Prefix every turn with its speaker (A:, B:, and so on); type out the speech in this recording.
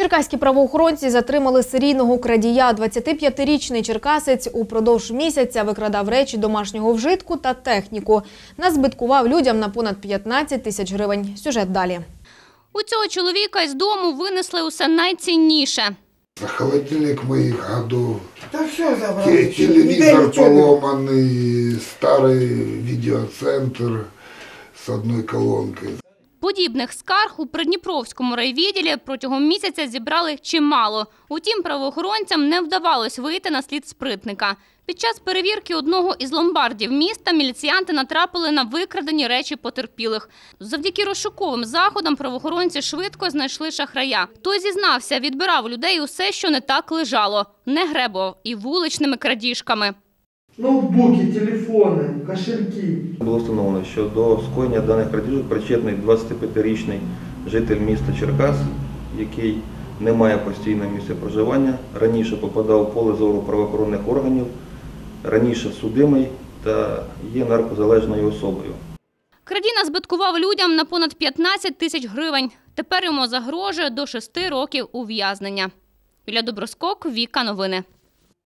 A: Черкаські правоохоронці затримали серійного крадія. 25-річний черкасець упродовж місяця викрадав речі домашнього вжитку та техніку. Назбиткував людям на понад 15 тисяч гривень. Сюжет далі.
B: У цього чоловіка із дому винесли усе найцінніше.
C: Холодильник моих годов,
D: Да все забрали.
C: телевизор поломанный, старый видеоцентр с одной колонкой.
B: Подібних скарг у Придніпровському райвідділі протягом місяця зібрали чимало. Утім, правоохоронцям не вдавалось вийти на слід спритника. Під час перевірки одного із ломбардів міста міліціянти натрапили на викрадені речі потерпілих. Завдяки розшуковим заходам правоохоронці швидко знайшли шахрая. Той зізнався, відбирав у людей усе, що не так лежало. Не гребував і вуличними крадіжками.
D: Ноутбуки, телефони, кошельки.
E: Було встановлено, що до скоєння даних крадіжок причетний 25-річний житель міста Черкас, який не має постійного місця проживання, раніше попадав у поле зору правоохоронних органів, раніше судимий та є наркозалежною особою.
B: Крадій назбиткував людям на понад 15 тисяч гривень. Тепер йому загрожує до 6 років ув'язнення. Юлія Доброскок, Віка Новини.